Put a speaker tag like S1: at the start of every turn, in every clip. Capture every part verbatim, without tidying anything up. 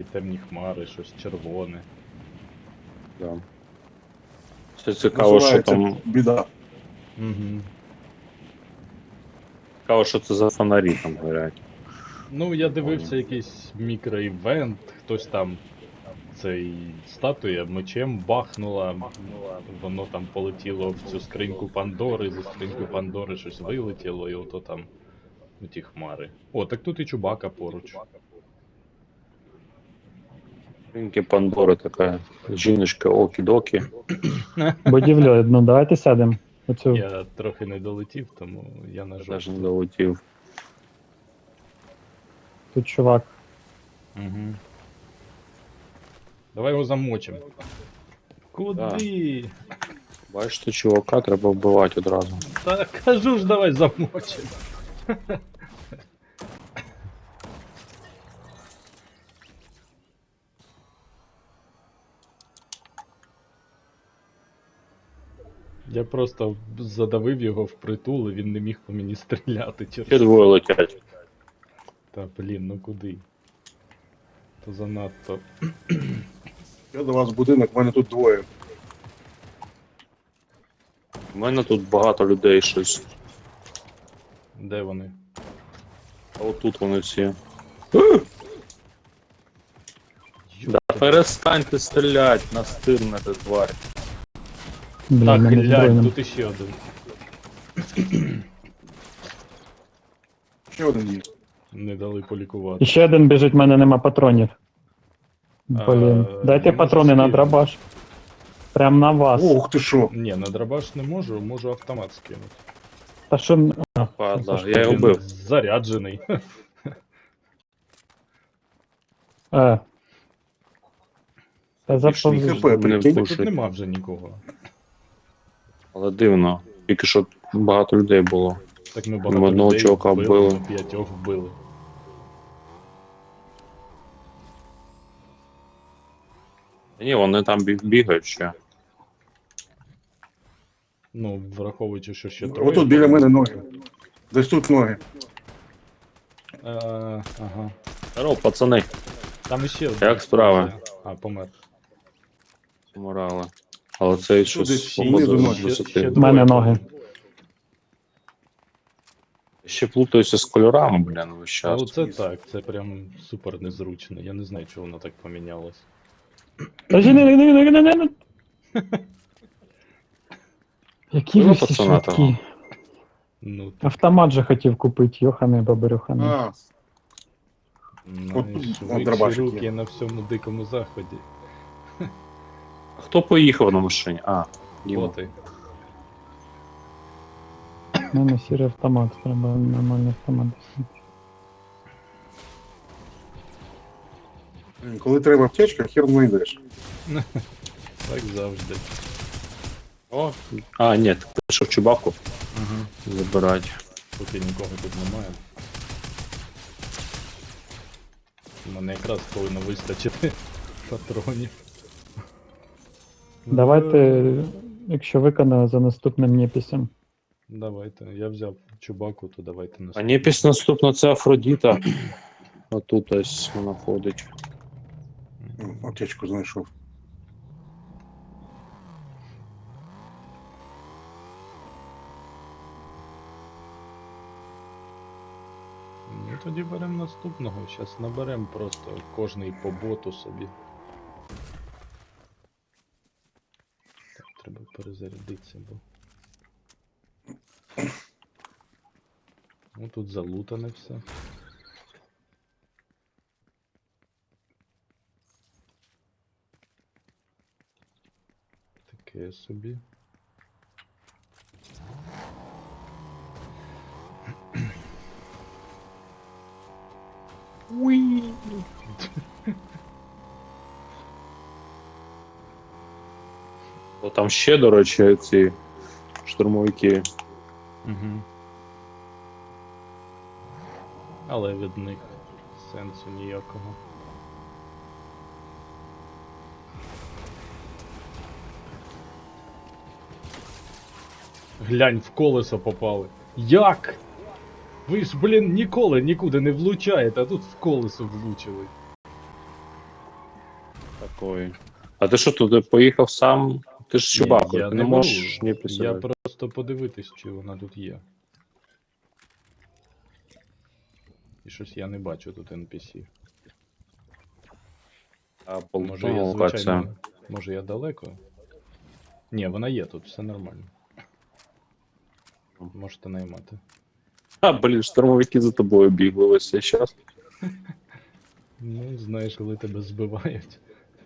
S1: темні хмари, щось червоне.
S2: Да. Це цікаво, що
S3: Називається
S2: там.
S3: біда.
S1: Угу.
S2: Цікаво, що це за фонарі там горять.
S1: Ну, я дивився якийсь мікроівент, хтось там цей статуя мечем бахнула, воно там полетіло в цю скриньку Пандори, зі скриньки Пандори щось вилетіло, і ото там ну, ті хмари. О, так тут і Чубака поруч.
S2: Ринки Пандори така жіночка окі-докі.
S4: Будівлю одну, давайте сядемо. Оцю.
S1: Я трохи не долетів, тому я на
S2: Теж
S1: жовту.
S2: не долетів.
S4: Тут чувак.
S1: Угу. Давай його замочимо. Куди?
S2: Бачите, чувака треба вбивати одразу.
S1: Та кажу ж, давай замочимо. Я просто задавив його впритул, і він не міг по мені стріляти
S2: Ще
S1: через.
S2: двоє летять.
S1: Та блін, ну куди? То занадто.
S3: Я до вас в будинок, в мене тут двоє.
S2: У мене тут багато людей щось.
S1: Де вони?
S2: А отут вони всі. Да перестаньте стріляти, настирнете тварь.
S4: Блін,
S1: Так,
S4: мене
S1: глянь,
S4: збройним.
S1: тут іще один.
S3: Ще один є.
S1: Не дали полікувати.
S4: І ще один біжить, в мене нема патронів. Блін.
S1: А,
S4: Дайте
S1: не
S4: патрони
S1: можеш
S4: на
S1: скинути.
S4: драбаш. Прям на вас.
S3: Ух ти що!
S1: Ні, на драбаш не можу, можу автомат скинути.
S4: Та що. м- А,
S2: Падла,
S4: це
S2: я його
S1: Він
S2: вбив.
S1: заряджений.
S4: Е. Та
S2: Більше
S4: заповз.
S2: ніхто
S3: ХП,
S2: не
S3: прикинь.
S1: Тут
S2: впушить.
S1: нема вже нікого.
S2: Але дивно. Тільки що багато людей було.
S1: Так ми
S2: Ми
S1: багато
S2: одного
S1: людей
S2: чувака
S1: вбили,
S2: вбили.
S1: ми п'ятьох вбили.
S2: Ні, вони там бі- бігають ще.
S1: Ну, враховуючи, що ще троє.
S3: Отут біля мене ноги. Десь тут ноги.
S1: Е, ага.
S2: Здорово, пацани,
S1: Там іще один.
S2: як справи?
S1: А, помер.
S2: Морали. Але цей щось
S3: десь
S2: походу
S3: знизу
S2: з
S3: ноги.
S1: Ще-
S2: висоти.
S1: ще
S4: В мене ноги.
S2: Ще плутаюся з кольорами, блін, весь
S1: А
S2: час.
S1: оце так, це прям супер незручно. Я не знаю, чого воно так помінялось.
S4: Та жі, не, не, не, не, не, не. Які
S2: Ну,
S4: ви всі
S2: пацана
S4: швидкі.
S2: того.
S1: Ну, ти
S4: Автомат же хотів купити, йохане бабарюхане.
S3: А, От тут
S1: найшвидші
S3: дробашик
S1: руки
S3: є.
S1: на всьому дикому заході.
S2: А хто поїхав на машині? А, Діма.
S1: Боти.
S4: У мене сірий автомат, треба нормальний автомат.
S3: коли треба аптечка, хер знайдеш.
S1: Так завжди.
S2: О, а, ні, ти пішов чубаку
S1: Угу.
S2: забирати.
S1: Поки нікого тут немає. У мене якраз повинно вистачити патронів.
S4: Давайте, якщо виконаю за наступним неписем.
S1: Давайте. Я взяв чубаку, то давайте
S2: А
S1: наступну.
S2: ні, після наступно це Афродіта. Отут ось вона ходить.
S3: М, Аптечку знайшов.
S1: Ну тоді беремо наступного. Зараз наберемо просто кожний по боту собі. Так, треба перезарядитися, бо. Ну тут залутане все. Таке собі. Уй!
S2: Бо там ще, до речі, ці штурмовики.
S1: Угу. Але від них сенсу ніякого. Глянь, в колесо попали. Як? Ви ж, блін, ніколи нікуди не влучаєте, а тут в колесо влучили.
S2: Такої. А ти що туди поїхав сам? Ти ж
S1: Ні,
S2: Чубако,
S1: я
S2: ти
S1: не
S2: не
S1: беру.
S2: можеш ні
S1: Я
S2: писати.
S1: просто подивитись, чи вона тут є. І щось я не бачу тут ен пі сі.
S2: А
S1: Може
S2: полтона
S1: я
S2: локація.
S1: звичайно. Може я далеко? Ні, вона є тут, все нормально. Можете наймати.
S2: А, блін, штурмовики за тобою бігли весь цей час.
S1: Ну, знаєш, коли тебе збивають.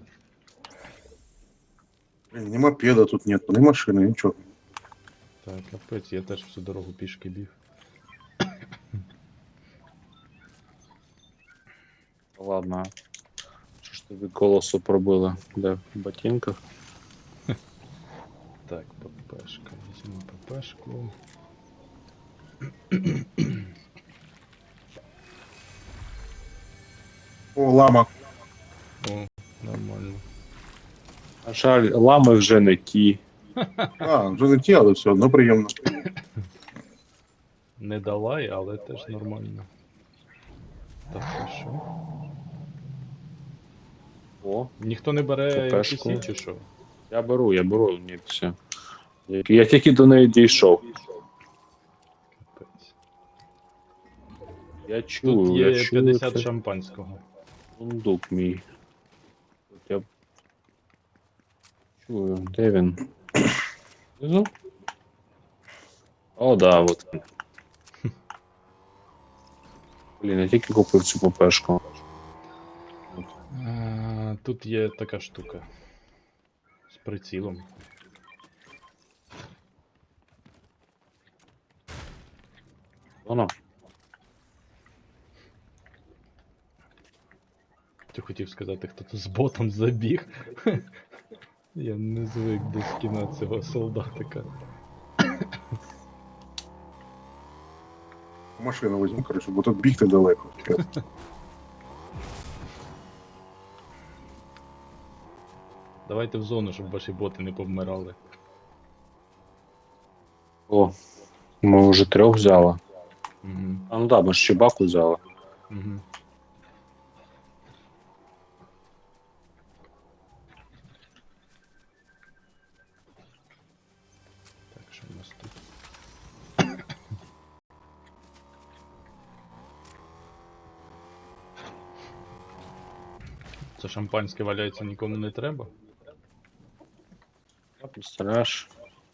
S3: Блін, ні мопеда тут нет, ні машини, нічого.
S1: Так, капець, я теж всю дорогу пішки біг.
S2: Ладно. Що ж тобі колесо пробили? Де? В ботинках?
S1: Так, ППшка. Візьму ППшку.
S3: О, лама.
S1: О, нормально.
S2: На жаль, лами вже не ті.
S3: А, вже не ті, але все одно приємно.
S1: Не далай, але теж нормально. Так, і що?
S2: О,
S1: Ніхто не бере
S2: ППшку.
S1: ен пі сі чи що?
S2: я беру, я беру, ні, все. Я, я тільки до неї дійшов.
S1: Капець.
S2: Я чую,
S1: Тут
S2: я
S1: є
S2: чую
S1: п'ятдесят
S2: це
S1: шампанського.
S2: сундук мій. От я чую, де він? Внизу? О, да, от він. Блін, я тільки купив цю ППшку.
S1: А, тут є така штука. З прицілом.
S2: Воно.
S1: Ти хотів сказати, хто тут з ботом забіг. Я не звик до скіна цього солдатика.
S3: Машину візьму, коротше, бо тут бігти далеко.
S1: Давайте в зону, щоб ваші боти не повмирали.
S2: О, ми вже трьох взяли.
S1: Угу.
S2: А ну да, ми ж Чебаку взяли.
S1: Угу. Так, що в нас тут? Це шампанське валяється, нікому не треба?
S2: Представляєш?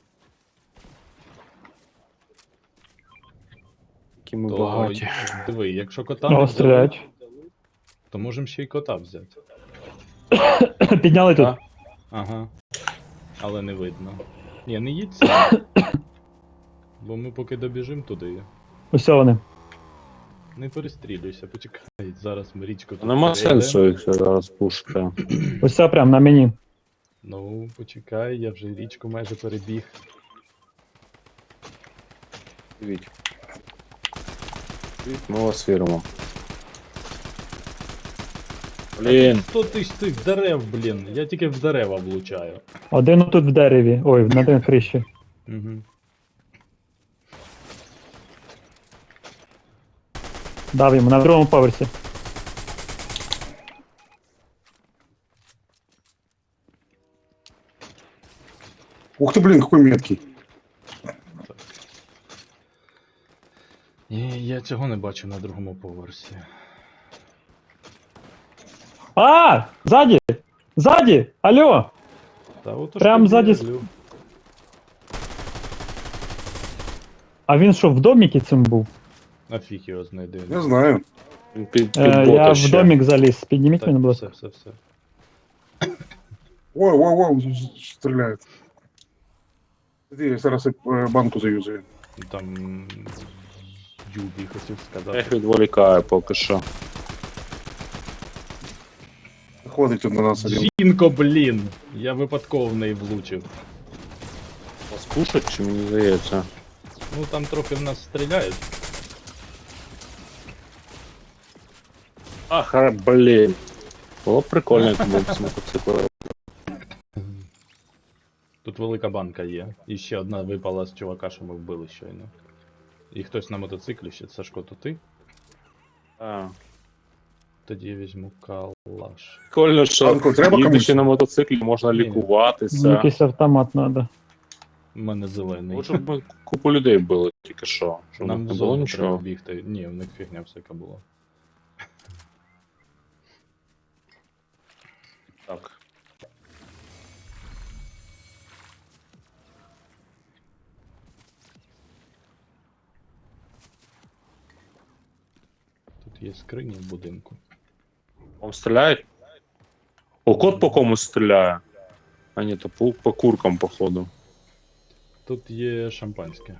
S2: Які ми
S1: То
S2: багаті.
S1: диви, якщо кота не
S4: О,
S1: взяли,
S4: стріляють.
S1: то можемо ще й кота взяти.
S4: Підняли тут.
S2: А?
S1: Ага. Але не видно. Ні, не їдь сам. Бо ми поки добіжимо туди.
S4: Ось вони.
S1: Не перестрілюйся, почекай. Зараз ми річку тут
S2: Нема
S1: перейдемо.
S2: сенсу їх зараз пушити.
S4: Ось це прям на мені.
S1: Ну, почекай, я вже річку майже перебіг.
S2: Дивіть. Дивіть, ми вас віримо. Блін,
S1: Сто тисяч цих дерев, блін. Я тільки в дерева влучаю.
S4: Один тут в дереві. Ой, на тій криші.
S1: Угу.
S4: Дав йому на другому поверсі.
S3: Ух ты, блин, какой меткий.
S1: Ні, я цього не бачу на другому поверсі.
S4: А! Ззаді! Ззаді! Алло!
S1: Та от
S4: Прям ззаді с- А він що, в доміки цим був?
S1: А фіг його знайде.
S3: Не знаю.
S2: він під, під
S4: Е,
S2: бота
S4: я в
S2: ще.
S4: домік заліз. Підніміть
S1: Так,
S4: мене, будь
S1: все,
S4: ласка.
S1: все, все.
S3: Ой, ой, ой, стреляет. Іди, я зараз е, банку заюзаю.
S1: Там Юбі хотів
S2: Я їх
S1: сказати.
S2: відволікаю поки що.
S3: Ходить тут на нас один.
S1: Жінко, блін! Я випадково в неї влучив.
S2: Вас пушать чи мені здається?
S1: Ну там трохи в нас стріляють.
S2: Ах, ра- блін. Було б прикольно, як був з мотоциклом.
S1: Тут велика банка є. І ще одна випала з чувака, що ми вбили щойно. І хтось на мотоциклі ще. Сашко, то ти?
S2: А,
S1: Тоді я візьму калаш.
S2: Прикольно, що
S3: Банку треба комусь?
S2: їдучи на мотоциклі можна
S1: Ні.
S2: лікуватися.
S4: Якийсь автомат треба.
S1: У мене зелений.
S2: От щоб ми купу людей били тільки що. Щоб
S1: Нам
S2: не
S1: в
S2: було
S1: зону треба
S2: нічого.
S1: бігти. Ні, в них фігня всяка була.
S2: Так.
S1: Тут є скрині в будинку.
S2: Вам стріляють? О, кот по комусь стріляє. А ні, то по, по куркам, походу.
S1: Тут є шампанське.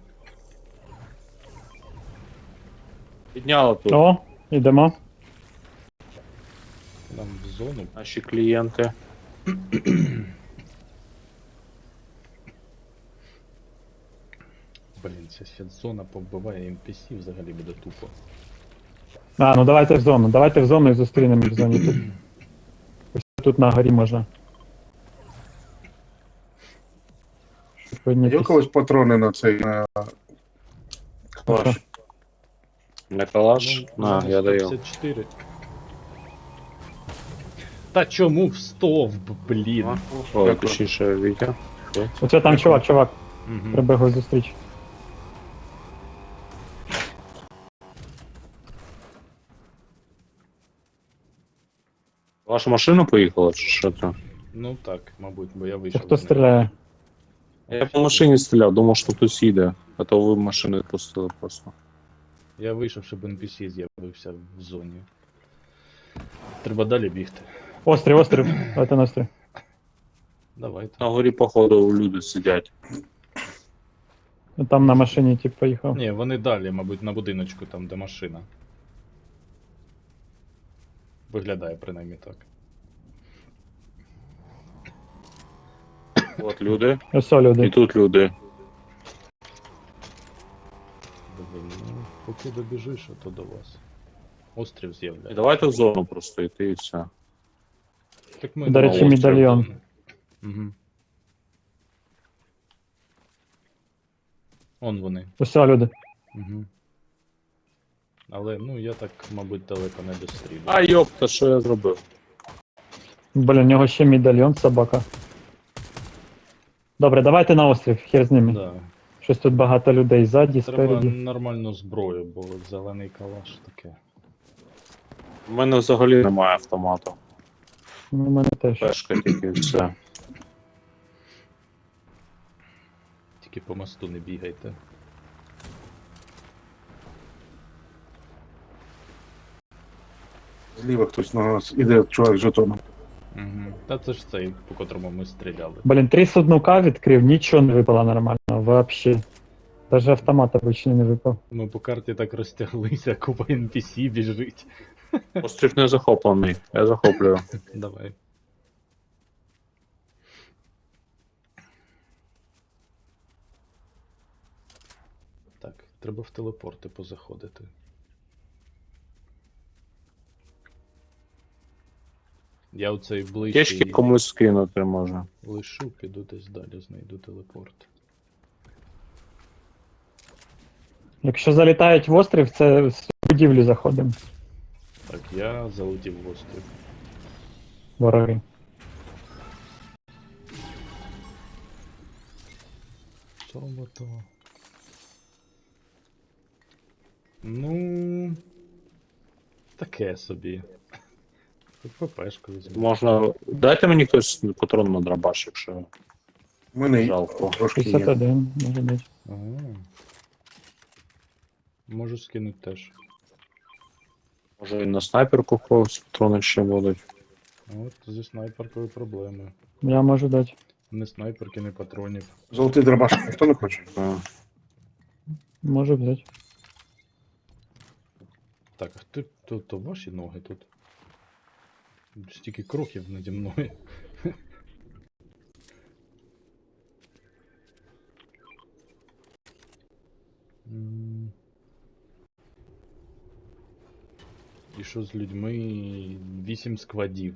S2: Підняли тут
S4: О, ідемо.
S1: Нам в зону.
S2: наші клієнти.
S1: Блін, ця ще зона повбиває ен пі сі, взагалі буде тупо.
S4: А, ну давайте в зону. Давайте в зону і зустрінемо їх в зоні тут. Ось тут на горі можна. Щоб
S3: Є у
S4: піднятись.
S3: когось патрони на цей на
S4: Хорошо.
S2: На калаш?
S1: Ну,
S2: На,
S1: зона
S2: я даю.
S1: сто п'ятдесят чотири. Та чому в стовп, блін?
S2: Ой,
S3: Дякую.
S2: точніше, Вітя.
S4: Оце там чувак, чувак.
S1: Угу.
S4: Треба його зустріч.
S2: Ваша машина поїхала, чи що це?
S1: Ну так, мабуть, бо я
S4: Це
S1: вийшов.
S4: хто
S1: з неї.
S4: стріляє?
S2: Я по машині стріляв, думав, що хтось їде. А то ви машини пустили просто.
S1: Я вийшов, щоб ен пі сі з'явився в зоні. Треба далі бігти.
S4: Острів, острів. Давайте на острів.
S1: Давайте.
S2: На горі, походу, люди сидять.
S4: Ну, там на машині тип поїхав.
S1: Ні, вони далі, мабуть, на будиночку, там, де машина. Виглядає принаймні так.
S2: От люди.
S4: Ось о,
S2: І
S4: люди.
S2: тут люди.
S1: Блін, ну, поки добіжиш, а то до вас. Острів
S2: І
S1: з'являється.
S2: давайте в зону просто йти і все.
S1: Так ми
S4: До
S1: на
S4: речі,
S1: острів.
S4: медальйон.
S1: Угу. Он вони.
S4: Ось о, люди.
S1: Угу. Але, ну, я так, мабуть, далеко не дострілю.
S2: А йопта, що я зробив?
S4: Блін, у нього ще медальйон, собака. Добре, давайте на острів, хер з ними.
S1: Да.
S4: Щось тут багато людей ззаді,
S1: Треба
S4: спереді.
S1: нормальну зброю, бо зелений калаш таке.
S2: У мене взагалі немає автомату.
S4: Ну, у мене теж.
S2: Пешка тільки і все.
S1: Тільки по мосту не бігайте.
S3: зліва хтось на нас іде чувак з жетоном.
S1: Угу. Та це ж цей, по котрому ми стріляли.
S4: Блін, три сундука відкрив, нічого не випало нормально, вообще. Даже автомат обычный не випав.
S1: Ми по карті так розтяглися, купа ен пі сі біжить.
S2: Острів не захоплений. Я захоплюю.
S1: Давай. Так, треба в телепорти позаходити. Я оцей
S2: Течки
S1: ближчий
S2: комусь скинути може.
S1: лишу, піду десь далі, знайду телепорт.
S4: Якщо залітають в острів, це в будівлю заходимо.
S1: Так, я залетів в острів.
S4: Вороги.
S1: Чому то? Ну. Таке собі. Тут ППшку візьму.
S2: Можна. Дайте мені хтось патрон на драбаш, якщо
S3: У мене
S2: жалко.
S3: трошки
S4: шістдесят
S3: є.
S4: один, може бути.
S1: Ага. Можу скинути теж.
S2: Може і на снайперку когось патрони ще будуть.
S1: От зі снайперкою проблеми.
S4: Я можу дати.
S1: Не снайперки, не патронів.
S3: Золотий дробаш, ніхто не хоче.
S2: А,
S4: Можу взяти.
S1: Так, а ти, то, то ваші ноги тут. Стільки кроків наді мною. М. І що з людьми? Вісім складів.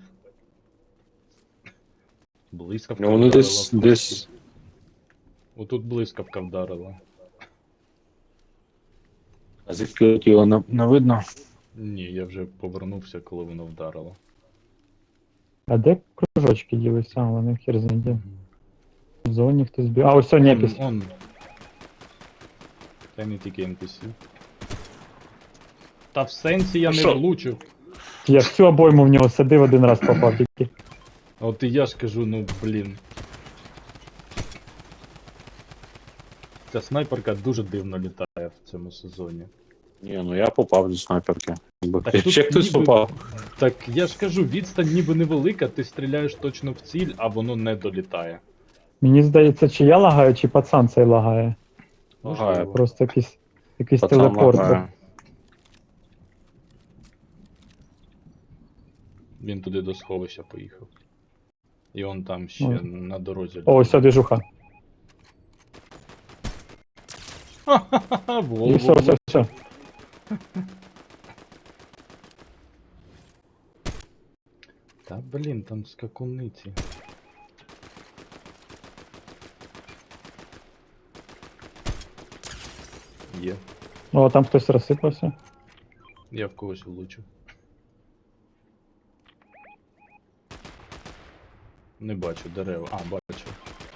S1: Блискавка
S2: Ну, вони
S1: вдарила
S2: десь
S1: в
S2: десь.
S1: Отут блискавка вдарила.
S2: А звідки летіло, не, не видно.
S1: Ні, я вже повернувся, коли воно вдарило.
S4: А де кружочки ділися? А, вони хер знайде. В зоні хтось біг. А, ось сьогодні
S1: Он,
S4: якийсь.
S1: он. Та не тільки ен пі сі. Та в сенсі я
S2: Ну
S1: не
S2: що?
S1: влучив.
S4: Я всю обойму в нього садив, один раз попав тільки.
S1: От і я ж кажу, ну блін. Ця снайперка дуже дивно літає в цьому сезоні.
S2: Ні, ну я попав зі снайперки.
S1: Так тут
S2: Ще хтось
S1: ніби-
S2: попав.
S1: Так я ж кажу, відстань ніби невелика, ти стріляєш точно в ціль, а воно не долітає.
S4: Мені здається, чи я лагаю, чи пацан цей лагає.
S2: Лагає.
S4: Просто якийсь, якийсь
S2: Пацан
S4: телепорт.
S2: лагає.
S1: Він туди до сховища поїхав. І он там ще
S4: Ой.
S1: на дорозі.
S4: О, ось ця движуха.
S1: Ха-ха-ха, в
S4: І
S1: голову.
S4: все, все, все.
S1: Та блін, там скакуниці. Є.
S4: О, там хтось розсипався.
S1: Я в когось влучив. Не бачу дерева. А, бачу.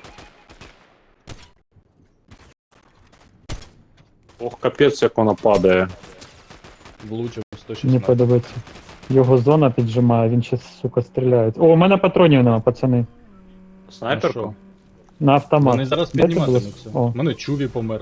S2: Ох, капець, як вона падає.
S1: Влучив сто
S4: Мені
S1: шістнадцять.
S4: подобається. Його зона піджимає, він ще, сука, стріляє. О, у мене патронів нема, пацани.
S2: Снайперку?
S4: На автомат.
S1: Вони зараз
S4: Де це було?
S1: підніматимуться.
S4: О.
S1: У мене Чуві помер.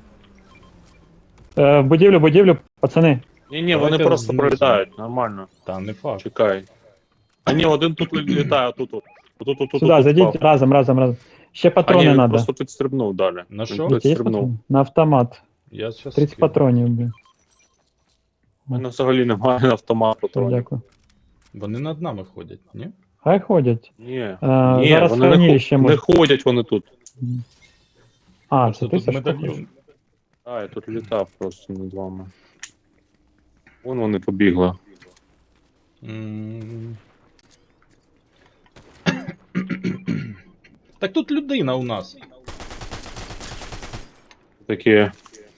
S4: Е, в будівлю, будівлю, пацани.
S2: Ні, ні, вони
S1: Давайте
S2: просто
S1: знизу.
S2: пролітають, нормально.
S1: Та не факт.
S2: Чекай. А ні, один тут літає, тут тут. Тут, тут, тут,
S4: Сюди,
S2: тут
S4: зайдіть
S2: впав.
S4: разом, разом, разом. Ще
S2: А
S4: патрони
S2: ні, він
S4: надо.
S2: просто підстрибнув далі.
S1: На
S2: Він
S1: що?
S4: Є
S2: підстрибнув.
S4: патрони? На автомат.
S1: Я щас
S4: тридцять
S1: скину.
S4: патронів, блін.
S2: У мене взагалі немає на автомат патронів.
S4: Дякую.
S1: Вони над нами ходять, ні?
S4: Хай ходять.
S2: Ні,
S4: Е,
S2: ні,
S4: зараз
S2: вони не,
S4: хранилище
S2: хо-
S4: може.
S2: не ходять вони тут.
S4: А,
S1: Просто
S4: це ти
S1: тут
S4: Сашко?
S1: медальйон.
S2: А, я тут літав просто над вами. Вон вони побігли.
S1: М. Так тут людина у нас.
S2: Такі.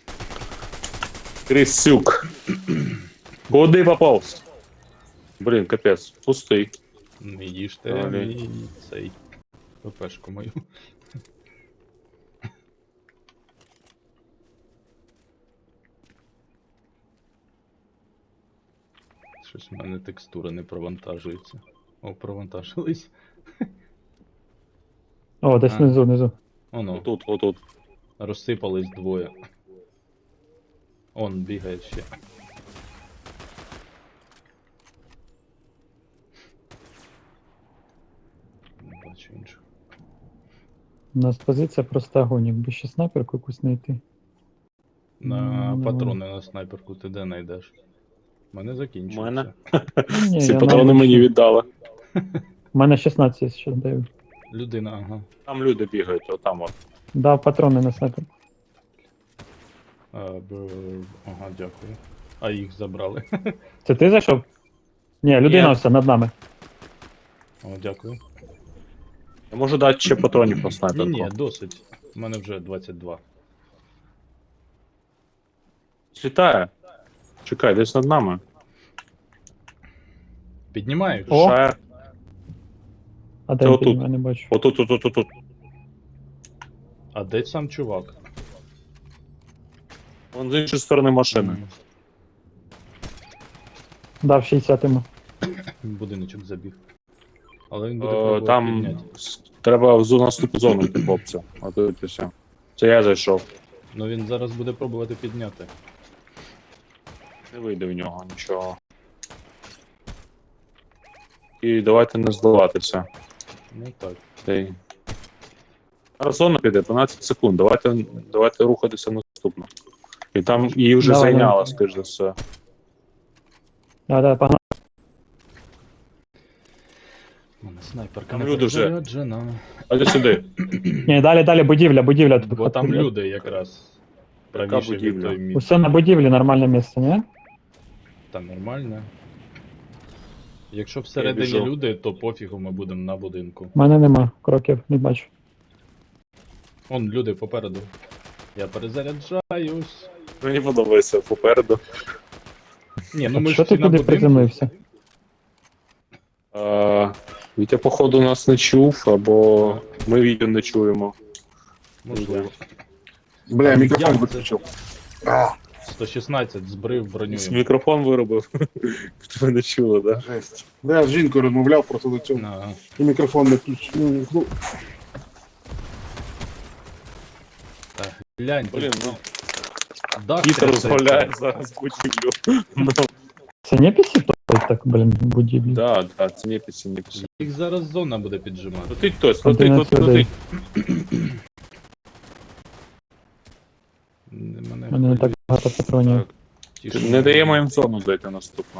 S2: Крисюк. Куди поповз? Блін, капець, пустий.
S1: Не їжте
S2: Далі.
S1: мій цей ППшку мою. Щось в мене текстура не провантажується. О, провантажились.
S4: О, десь
S1: А.
S4: внизу, внизу.
S1: Оно,
S2: Отут, отут.
S1: розсипались двоє. Он бігає ще. Не бачу іншого.
S4: У нас позиція просто огонь, якби ще снайперку якусь знайти.
S1: На
S4: Ну,
S1: патрони на снайперку ти де знайдеш? У мене закінчується.
S2: Мене?
S4: Ні,
S2: Всі
S4: я
S2: патрони
S4: навіть-
S2: мені віддали.
S4: У мене шістнадцять є, ще даю.
S1: Людина, ага.
S2: Там люди бігають, отам от.
S4: Дав патрони на снайперку.
S1: А, б... Ага, дякую. А їх забрали.
S4: Це ти зайшов? Ні, людина
S2: Ні.
S4: все над нами.
S1: О, дякую.
S2: Я можу дати ще патронів на
S1: Ні,
S2: снайперку.
S1: ні, досить. У мене вже двадцять два.
S2: Літає. Чекай, десь над нами.
S1: Піднімаю.
S4: О!
S2: Шає.
S4: А де
S2: Це
S4: він
S2: отут.
S4: піднімає, не бачу.
S2: Отут, тут, тут, тут, тут.
S1: А де сам чувак?
S2: Вон з іншої сторони машини.
S1: М,
S4: Дав шістдесят йому.
S1: Будиночок забіг. Але він буде
S2: Е,
S1: пробувати
S2: Там
S1: підняти.
S2: с- треба в зону наступну зону йти, хлопці. А тут і все. Це я зайшов.
S1: Ну він зараз буде пробувати підняти.
S2: Не вийде в нього нічого. І давайте не здаватися.
S1: Ну так.
S2: Цей. Зараз зона піде, дванадцять секунд. Давайте, давайте рухатися наступно. І там її вже
S4: Давай,
S2: зайняла,
S4: давай.
S2: скоріш за все.
S4: Да, да, погнали.
S1: У мене снайперка
S2: Там
S1: не
S2: люди вже.
S1: перезаряджена.
S2: А сюди.
S4: Ні, далі, далі, будівля, будівля. тут
S1: Бо там
S4: ходять.
S1: люди якраз.
S2: Яка
S1: Правіше від
S2: будівля?
S1: той місць.
S4: Усе на будівлі, нормальне місце, ні?
S1: Та нормально. Якщо всередині
S2: біжу.
S1: люди, то пофігу ми будемо на будинку.
S4: У мене нема кроків, не бачу.
S1: Он люди попереду. Я перезаряджаюсь.
S2: Мені подобається попереду.
S1: Ні, ну
S4: А
S1: ми
S4: що
S1: ж
S4: ти
S1: всі на
S4: туди
S1: будинку.
S4: приземлився?
S2: Е, Вітя, походу, нас не чув, або ми Вітю не чуємо.
S1: Можливо.
S3: Бля,
S1: Там
S3: мікрофон
S1: як це?
S3: виключив. А,
S1: сто шістнадцять збрив броню. йому.
S2: Мікрофон виробив. Ви не чули, так? Да?
S3: жесть. Да, я з жінкою розмовляв просто до цього.
S1: Ага.
S3: І мікрофон не включив. Ну, ну,
S1: Глянь,
S2: Блін, ну,
S1: дах
S2: кіт
S1: трясеться.
S2: розмовляє зараз будівлю. Ну,
S4: Це не пісі так, блін, будівлі.
S2: да, да, це не пісі, не пісі.
S1: Їх зараз зона буде піджимати.
S2: Летить хтось, летить,
S4: одинадцять
S2: летить,
S4: людей.
S2: летить.
S1: Не мене
S4: У мене не так багато патронів.
S2: Так.
S1: тішить.
S2: Не даємо їм зону зайти наступно.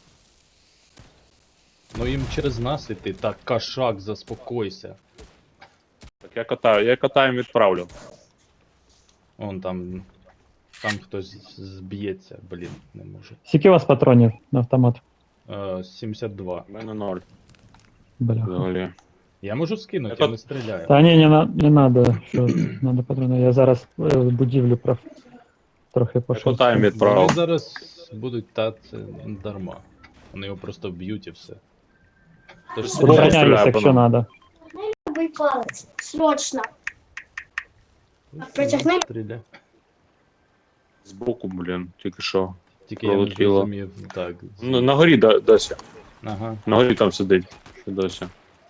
S1: Ну їм через нас іти. Так, кашак, заспокойся.
S2: Так, я катаю, я катаю відправлю.
S1: Вон там. Там хтось зб'ється, блін, не може.
S4: Скільки у вас патронів на автомат?
S1: Е, сімдесят два.
S2: У мене ноль.
S4: Бля.
S2: Взагалі.
S1: Я можу скинути,
S2: Я
S1: я не стріляю.
S4: Та ні, не, на- не надо, що надо патрони. Я зараз е, будівлю прав... трохи пошов.
S2: катаємо
S1: Вони
S2: відправив.
S1: зараз будуть та це дарма. Вони його просто б'ють і все. Тож
S2: Спробуй.
S1: стріляй.
S2: стріляю
S4: Обороняюсь,
S2: по
S4: якщо
S2: нам.
S4: надо.
S5: Новий палець. Срочно. Протягни.
S1: Стріляй.
S2: Збоку, блін, тільки що.
S1: Тільки я не
S2: Пролетіло.
S1: зрозумів. Так.
S2: Ну, на горі да- досі.
S1: Ага.
S2: На горі там сидить. Ще досі.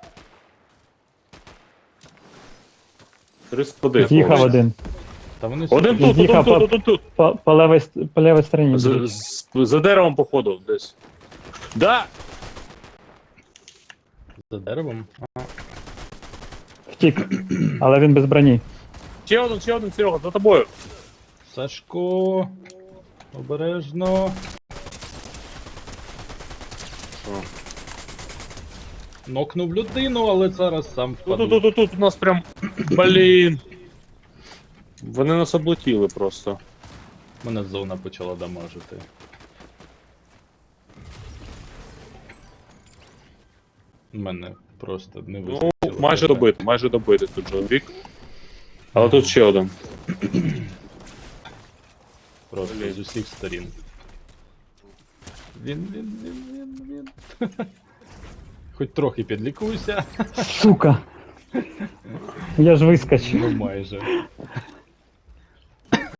S2: триста один.
S4: З'їхав один.
S1: Та вони
S2: Один
S1: собі
S2: тут, один
S4: З'їхав
S2: тут,
S4: по-
S2: один тут.
S4: По, по, левій, ст- по левій стороні.
S2: За, з- за деревом, походу, десь. Да!
S1: за деревом.
S4: Втік. Але він без броні.
S2: Ще один, ще один, Серега, за тобою.
S1: Сашко. Обережно.
S2: Що?
S1: Нокнув людину, але зараз сам
S2: Тут,
S1: впаду.
S2: тут, тут, тут, у нас прям. Блін. Вони нас облетіли просто.
S1: Мене зона почала дамажити. Мене просто не
S2: Ну,
S1: вистачило.
S2: майже
S1: хп.
S2: добити, майже добити тут Джон Вік. Але тут ще один.
S1: Просто
S2: Блін.
S1: з усіх сторін. Він, він, він, він, він. Хоч трохи підлікуйся.
S4: Сука. Я ж вискочив.
S1: Ну майже.